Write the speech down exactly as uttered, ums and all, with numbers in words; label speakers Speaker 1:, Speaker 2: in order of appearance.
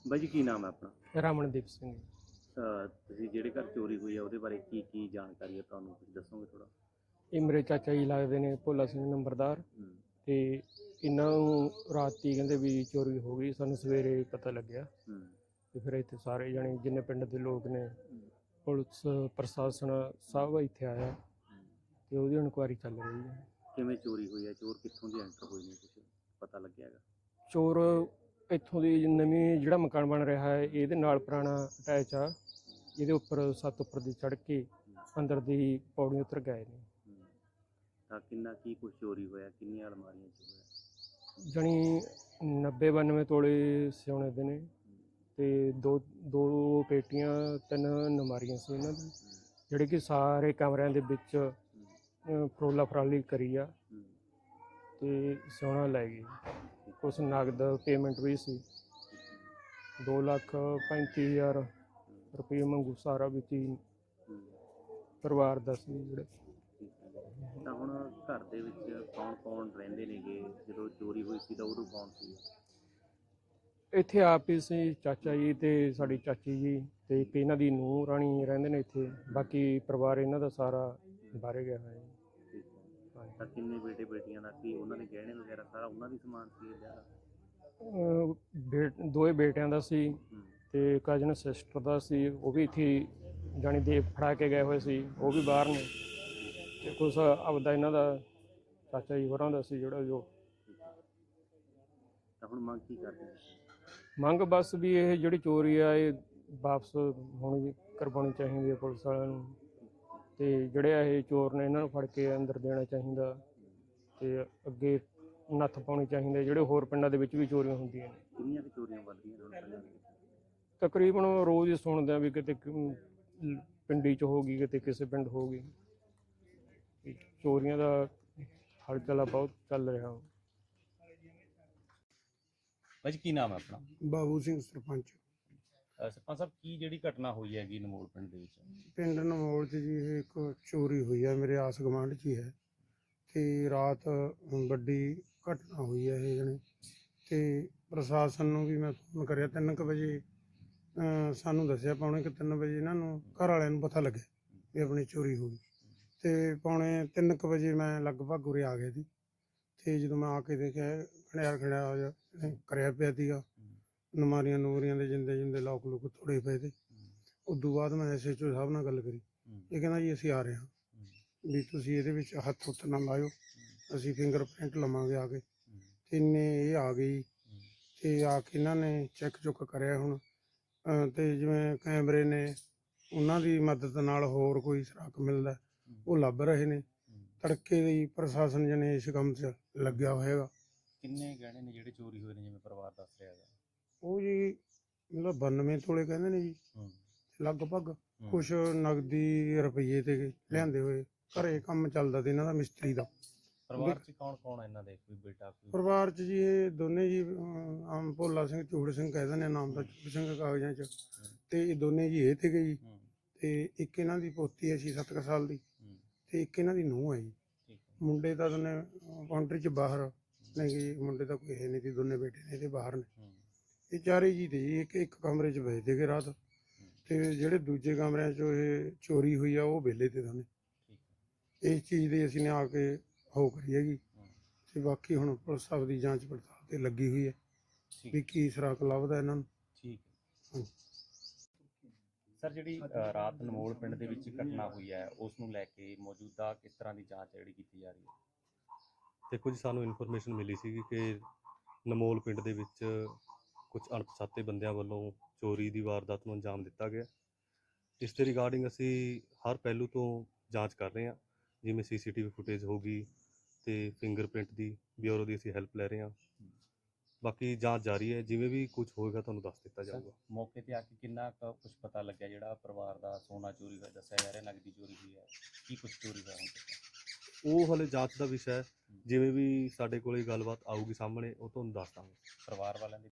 Speaker 1: ਬਾਈ ਜੀ, ਕੀ ਨਾਮ ਹੈ ਆਪਣਾ?
Speaker 2: ਰਮਨਦੀਪ ਸਿੰਘ।
Speaker 1: ਅਹ ਤੁਸੀਂ ਜਿਹੜੇ ਘਰ ਚੋਰੀ ਹੋਈ ਆ ਉਹਦੇ ਬਾਰੇ ਕੀ ਕੀ ਜਾਣਕਾਰੀ ਹੈ ਤੁਹਾਨੂੰ, ਕੁਝ ਦੱਸੋਗੇ ਥੋੜਾ?
Speaker 2: ਇਹ ਮੇਰੇ ਚਾਚਾ ਜੀ ਲੱਗਦੇ ਨੇ, ਭੋਲਾ ਸਿੰਘ ਨੰਬਰਦਾਰ।
Speaker 1: ਹੂੰ।
Speaker 2: ਤੇ ਇਹਨਾਂ ਨੂੰ ਰਾਤੀ ਕਹਿੰਦੇ ਵੀ ਚੋਰੀ ਹੋ ਗਈ, ਸਾਨੂੰ ਸਵੇਰੇ ਪਤਾ ਲੱਗਿਆ।
Speaker 1: ਹੂੰ।
Speaker 2: ਤੇ ਫਿਰ ਇੱਥੇ ਸਾਰੇ ਜਣੇ ਜਿੰਨੇ ਪਿੰਡ ਦੇ ਲੋਕ ਨੇ,
Speaker 1: ਹੂੰ।
Speaker 2: ਪੁਲਿਸ ਪ੍ਰਸ਼ਾਸਨ ਸਭ ਇੱਥੇ ਆਇਆ
Speaker 1: ਹੂੰ।
Speaker 2: ਤੇ ਉਹਦੀ ਇਨਕੁਆਇਰੀ ਚੱਲ ਰਹੀ ਹੈ।
Speaker 1: ਕਿਵੇਂ ਚੋਰੀ ਹੋਈ ਹੈ? ਚੋਰ ਕਿੱਥੋਂ ਦੀ ਐਂਟਰ ਹੋਏ ਨੇ, ਕੁਝ ਪਤਾ ਲੱਗਿਆ ਹੈਗਾ?
Speaker 2: ਚੋਰ ਇੱਥੋਂ ਦੀ ਨਵੀਂ ਜਿਹੜਾ ਮਕਾਨ ਬਣ ਰਿਹਾ ਹੈ ਇਹਦੇ ਨਾਲ ਪੁਰਾਣਾ ਅਟੈਚ ਆ, ਇਹਦੇ ਉੱਪਰ ਸੱਤ ਉੱਪਰ ਦੀ ਚੜ੍ਹ ਕੇ ਅੰਦਰ ਦੀ ਪੌੜੀ ਉਤਰ ਗਏ ਨੇ।
Speaker 1: ਹੂੰ। ਤਾਂ ਕਿੰਨਾ ਕੀ ਕੁਝ ਚੋਰੀ ਹੋਇਆ, ਕਿੰਨੀਆਂ ਅਲਮਾਰੀਆਂ 'ਚ ਹੋਇਆ?
Speaker 2: ਜਣੀ ਨੱਬੇ ਬਾਨਵੇਂ ਤੋਲੇ ਸਿਉਣੇ ਦੇ ਨੇ ਤੇ ਦੋ ਦੋ ਪੇਟੀਆਂ, ਤਿੰਨ ਨਮਾਰੀਆਂ ਸੀ ਇਹਨਾਂ ਦੀ, ਜਿਹੜੇ ਕਿ ਸਾਰੇ ਕਮਰਿਆਂ ਦੇ ਵਿੱਚ ਫਰੋਲਾ ਫਰਾਲੀ ਕਰੀ ਆ
Speaker 1: ਹੂੰ।
Speaker 2: ਤੇ ਸੋਨਾ ਲੈ ਗਏ। ਕੁਛ ਨਗਦ ਪੇਮੈਂਟ ਵੀ ਸੀ, ਦੋ ਲੱਖ ਪੈਂਤੀ ਹਜ਼ਾਰ ਰੁਪਏ ਮੰਗੂ ਸਾਰਾ ਵਿੱਚ ਹੀ
Speaker 1: ਹੂੰ।
Speaker 2: ਪਰਿਵਾਰ ਦਾ ਸੀ ਜਿਹੜੇ।
Speaker 1: ਤਾਂ ਹੁਣ ਘਰ ਦੇ ਵਿੱਚ ਕੌਣ ਕੌਣ ਰਹਿੰਦੇ ਨੇਗੇ? ਜਦੋਂ ਚੋਰੀ ਹੋਈ ਸੀ ਤਾਂ ਉਦੋਂ ਕੌਣ ਸੀ?
Speaker 2: ਇੱਥੇ ਆਪ ਹੀ ਸੀ, ਚਾਚਾ ਜੀ ਤੇ ਸਾਡੀ ਚਾਚੀ ਜੀ ਤੇ ਇੱਕ ਇਹਨਾਂ ਦੀ ਨੂੰਹ ਰਾਣੀ ਰਹਿੰਦੇ ਨੇ ਇੱਥੇ। ਬਾਕੀ ਪਰਿਵਾਰ ਇਹਨਾਂ ਦਾ ਸਾਰਾ ਬਾਹਰ ਗਿਆ ਹੋਇਆ ਹੈ।
Speaker 1: ਤਾਂ ਕਿੰਨੇ ਬੇਟੇ ਬੇਟੀਆਂ ਦਾ ਸੀ? ਉਹਨਾਂ ਦੇ ਗਹਿਣੇ ਵਗੈਰਾ ਸਾਰਾ ਉਹਨਾਂ ਦੀ ਸਮਾਨ ਸੀ ਵਿਆਹ ਦਾ?
Speaker 2: ਅਹ ਬੇ ਦੋਏ ਬੇਟਿਆਂ ਦਾ ਸੀ
Speaker 1: ਹੂੰ।
Speaker 2: ਤੇ ਕਜ਼ਨ ਸਿਸਟਰ ਦਾ ਸੀ, ਉਹ ਵੀ ਇੱਥੇ ਜਾਣੀ ਦੇ ਫੜਾ ਕੇ ਗਏ ਹੋਏ ਸੀ, ਉਹ ਵੀ ਬਾਹਰ ਨੇ। ਤੇ ਕੁਛ ਆਪਦਾ ਇਹਨਾਂ ਦਾ ਚਾਚਾ ਜੀ ਹੋਰਾਂ ਦਾ ਸੀ ਜਿਹੜਾ ਜੋ।
Speaker 1: ਤਾਂ ਹੁਣ ਮੰਗ ਕੀ ਕਰਦੇ ਨੇ?
Speaker 2: ਮੰਗ ਬਸ ਵੀ ਇਹ ਜਿਹੜੀ ਚੋਰੀ ਆ ਇਹ ਵਾਪਸ ਹੋਣੀ ਕਰਵਾਉਣੀ ਚਾਹੀਦੀ ਹੈ ਪੁਲਿਸ ਵਾਲਿਆਂ ਨੂੰ, ਤੇ ਜਿਹੜੇ ਇਹ ਚੋਰ ਨੇ ਇਹਨਾਂ ਨੂੰ ਫੜ ਕੇ ਅੰਦਰ ਦੇਣਾ ਚਾਹੀਦਾ ਤੇ ਅੱਗੇ ਨੱਥ ਪਾਉਣੀ ਚਾਹੀਦੀ। ਜਿਹੜੇ ਹੋਰ ਪਿੰਡਾਂ ਦੇ ਵਿੱਚ ਵੀ ਚੋਰੀਆਂ ਹੁੰਦੀਆਂ ਨੇ।
Speaker 1: ਕਿੰਨੀਆਂ ਕੁ ਚੋਰੀਆਂ ਵੱਧ ਰਹੀਆਂ ਨੇ ਪਿੰਡਾਂ ਦੇ ਵਿੱਚ?
Speaker 2: ਤਕਰੀਬਨ ਰੋਜ਼ ਹੀ ਸੁਣਦੇ ਆ ਵੀ ਕਿਤੇ ਪਿੰਡੀ 'ਚ ਹੋ ਗਈ, ਕਿਤੇ ਕਿਸੇ ਪਿੰਡ ਹੋ ਗਈ। ਚੋਰੀਆਂ ਦਾ ਹਲਚਲਾ ਬਹੁਤ ਚੱਲ ਰਿਹਾ।
Speaker 1: ਭਾਜੀ, ਕੀ ਨਾਮ ਹੈ ਆਪਣਾ?
Speaker 3: ਬਾਬੂ ਸਿੰਘ ਸਰਪੰਚ।
Speaker 1: ਸਰਪੰਚ ਸਾਹਿਬ, ਕੀ ਜਿਹੜੀ ਘਟਨਾ ਹੋਈ ਹੈਗੀ ਨਮੋਲ ਪਿੰਡ ਦੇ ਵਿੱਚ?
Speaker 3: ਪਿੰਡ ਨਮੋਲ 'ਚ ਜੀ ਇਹ ਇੱਕ ਚੋਰੀ ਹੋਈ ਹੈ, ਮੇਰੇ ਆਸ ਗੁਆਂਢ 'ਚ ਹੀ ਹੈ। ਤੇ ਰਾਤ ਵੱਡੀ ਘਟਨਾ ਹੋਈ ਹੈ ਇਹ ਜਣੇ। ਤੇ ਪ੍ਰਸ਼ਾਸਨ ਨੂੰ ਵੀ ਮੈਂ ਫੋਨ ਕਰਿਆ ਤਿੰਨ ਕੁ ਵਜੇ, ਸਾਨੂੰ ਦੱਸਿਆ ਪੌਣੇ ਕੁ ਤਿੰਨ ਵਜੇ ਇਹਨਾਂ ਨੂੰ ਘਰ ਵਾਲਿਆਂ ਨੂੰ ਪਤਾ ਲੱਗਿਆ ਵੀ ਆਪਣੀ ਚੋਰੀ ਹੋ ਗਈ। ਤੇ ਪੌਣੇ ਤਿੰਨ ਕੁ ਵਜੇ ਮੈਂ ਲਗਭਗ ਉਰੇ ਆ ਗਿਆ ਸੀ। ਤੇ ਜਦੋਂ ਮੈਂ ਆ ਕੇ ਦੇਖਿਆ ਖੜਿਆ ਖੜਿਆ ਕਰਿਆ ਪਿਆ ਸੀਗਾ, ਨਮਾਰੀਆਂ ਨੂਰੀਆਂ ਦੇ ਜਿੰਦੇ ਜਿੰਦੇ ਲੋਕ ਲੋਕ ਤੋੜੇ ਪਏ ਤੇ। ਉਦੋਂ ਬਾਅਦ ਮੈਂ ਐਸ ਐਚ ਓ ਸਾਹਿਬ ਨਾਲ ਗੱਲ ਕਰੀ। ਇਹ ਕਹਿੰਦਾ ਜੀ ਅਸੀਂ ਆ ਰਹੇ ਹਾਂ, ਵੀ ਤੁਸੀਂ ਇਹਦੇ ਵਿੱਚ ਹੱਥ ਹੁੱਥ ਨਾ ਲਾਇਓ, ਅਸੀਂ ਫਿੰਗਰ ਪ੍ਰਿੰਟ ਲਵਾਂਗੇ ਆ ਕੇ। ਤੇ ਇੰਨੇ ਇਹ ਆ ਗਈ ਤੇ ਆ ਕੇ ਇਹਨਾਂ ਨੇ ਚੈੱਕ ਚੁੱਕ ਕਰਿਆ ਹੁਣ, ਤੇ ਜਿਵੇਂ ਕੈਮਰੇ ਨੇ ਉਹਨਾਂ ਦੀ ਮਦਦ ਨਾਲ ਹੋਰ ਕੋਈ ਸੁਰਾਖ ਮਿਲਦਾ ਉਹ ਲੱਭ ਰਹੇ ਨੇ। ਤੜਕੇ ਦੀ ਪ੍ਰਸ਼ਾਸਨ ਜਨੇ ਇਸ ਕੰਮ 'ਚ ਲੱਗਿਆ ਹੋਏਗਾ।
Speaker 1: ਕਿੰਨੇ ਗਹਿਣੇ ਨੇ ਜਿਹੜੇ ਚੋਰੀ ਹੋਏ ਨੇ, ਜਿਵੇਂ ਪਰਿਵਾਰ ਦੱਸ ਰਿਹਾ ਹੈਗਾ?
Speaker 3: ਉਹ ਜੀ ਮਤਲਬ ਬਾਨਵੇਂ ਤੋਲੇ ਕਹਿੰਦੇ ਨੇ ਜੀ ਲਗਭਗ। ਕੁਛ ਨਗਦੀ ਰੁਪਈਏ ਤੇ ਲਿਆਂਦੇ ਹੋਏ, ਘਰੇ ਕੰਮ ਚੱਲਦਾ ਤੇ ਇਹਨਾਂ ਦਾ ਮਿਸਤਰੀ ਦਾ।
Speaker 1: ਪਰਿਵਾਰ 'ਚ ਕੌਣ ਕੌਣ ਹੈ ਇਹਨਾਂ ਦੇ? ਕੋਈ ਬੇਟਾ ਕੋਈ?
Speaker 3: ਪਰਿਵਾਰ 'ਚ ਜੀ ਇਹ ਦੋਨੇ ਜੀ, ਆਮ ਭੋਲਾ ਸਿੰਘ ਚੂੜ ਸਿੰਘ ਕਹਿ ਦਿੰਦੇ ਨਾਮ ਦਾ, ਚੂੜ ਸਿੰਘ ਕਾਗਜ਼ਾਂ 'ਚ। ਤੇ ਇਹ ਦੋਨੇ ਜੀ ਇਹ ਤੇ ਗਈ, ਤੇ ਇੱਕ ਇਹਨਾਂ ਦੀ ਪੋਤੀ ਹੈ ਛੇ ਸੱਤ ਕੁ ਸਾਲ ਦੀ, ਤੇ ਇੱਕ ਇਹਨਾਂ ਦੀ ਨੂੰਹ ਹੈ ਜੀ। ਮੁੰਡੇ ਤਾਂ ਦੋਨੇ ਕਾਊਂਟਰੀ 'ਚ ਬਾਹਰ ਨੇ ਜੀ, ਮੁੰਡੇ ਤਾਂ ਕੋਈ ਹੈ ਨਹੀਂ ਸੀ, ਦੋਨੇ ਬੇਟੇ ਨੇ ਤੇ ਬਾਹਰ ਨੇ। ਇਹ ਚਾਰੇ ਜੀ ਤੇ ਜੀ ਇੱਕ ਇੱਕ ਕਮਰੇ 'ਚ ਬੈਠ ਗਏ ਰਾਤ। ਤੇ ਜਿਹੜੇ ਦੂਜੇ ਕਮਰਿਆਂ 'ਚੋਂ ਇਹ ਚੋਰੀ ਹੋਈ ਆ ਉਹ ਵਿਹਲੇ ਤੇ ਦੋਨੇ। ਇਸ ਚੀਜ਼ ਦੀ ਅਸੀਂ ਨੇ ਆ ਕੇ ਹੋ ਕਰੀ ਹੈਗੀ। ਤੇ ਬਾਕੀ ਹੁਣ ਪੁਲਿਸ ਸਾਹਿਬ ਦੀ ਜਾਂਚ ਪੜਤਾਲ ਤੇ ਲੱਗੀ ਹੋਈ ਹੈ ਵੀ ਕੀ ਸੁਰਾਖ ਲੱਭਦਾ ਇਹਨਾਂ ਨੂੰ।
Speaker 1: ਠੀਕ ਹੈ ਸਰ, ਜਿਹੜੀ ਰਾਤ ਨਮੋਲ ਪਿੰਡ ਦੇ ਵਿੱਚ ਘਟਨਾ ਹੋਈ ਹੈ ਉਸ ਨੂੰ ਲੈ ਕੇ ਮੌਜੂਦਾ ਕਿਸ ਤਰ੍ਹਾਂ ਦੀ ਜਾਂਚ ਜਿਹੜੀ ਕੀਤੀ ਜਾ ਰਹੀ ਹੈ?
Speaker 4: ਦੇਖੋ ਜੀ, ਸਾਨੂੰ ਇਨਫੋਰਮੇਸ਼ਨ ਮਿਲੀ ਸੀ ਕਿ ਨਮੋਲ ਪਿੰਡ ਦੇ ਵਿੱਚ ਕੁਝ ਅਣਪਛਾਤੇ ਬੰਦਿਆਂ ਵੱਲੋਂ ਚੋਰੀ ਦੀ ਵਾਰਦਾਤ ਨੂੰ ਅੰਜਾਮ ਦਿੱਤਾ ਗਿਆ। ਇਸ ਦੇ ਰਿਗਾਰਡਿੰਗ ਅਸੀਂ ਹਰ ਪਹਿਲੂ ਤੋਂ ਜਾਂਚ ਕਰ ਰਹੇ ਹਾਂ, ਜਿਵੇਂ ਸੀ ਸੀ ਟੀ ਵੀ ਫੁਟੇਜ ਹੋ ਗਈ ਅਤੇ ਫਿੰਗਰਪ੍ਰਿੰਟ ਦੀ ਬਿਊਰੋ ਦੀ ਅਸੀਂ ਹੈਲਪ ਲੈ ਰਹੇ ਹਾਂ। ਬਾਕੀ ਜਾਂਚ ਜਾਰੀ ਹੈ, ਜਿਵੇਂ ਵੀ ਕੁਝ ਹੋਏਗਾ ਤੁਹਾਨੂੰ ਦੱਸ ਦਿੱਤਾ ਜਾਊਗਾ।
Speaker 1: ਮੌਕੇ ਤੇ ਆ ਕੇ ਕਿੰਨਾ ਕੁ ਕੁਝ ਪਤਾ ਲੱਗਿਆ? ਜਿਹੜਾ ਪਰਿਵਾਰ ਦਾ ਸੋਨਾ ਚੋਰੀ ਹੋਇਆ ਦੱਸਿਆ ਜਾ ਰਿਹਾ, ਨਗਦੀ ਚੋਰੀ ਹੋਈ ਹੈ, ਕੀ ਕੁਝ ਚੋਰੀ ਹੋਇਆ ਹੁਣ ਤੱਕ?
Speaker 4: ਉਹ ਹਲੇ ਜਾਂਚ ਦਾ ਵਿਸ਼ਾ ਹੈ, ਜਿਵੇਂ ਵੀ ਸਾਡੇ ਕੋਲ ਗੱਲਬਾਤ ਆਊਗੀ ਸਾਹਮਣੇ ਉਹ ਤੁਹਾਨੂੰ ਦੱਸ ਦਾਂਗੇ।
Speaker 1: ਪਰਿਵਾਰ ਵਾਲਿਆਂ ਦੀ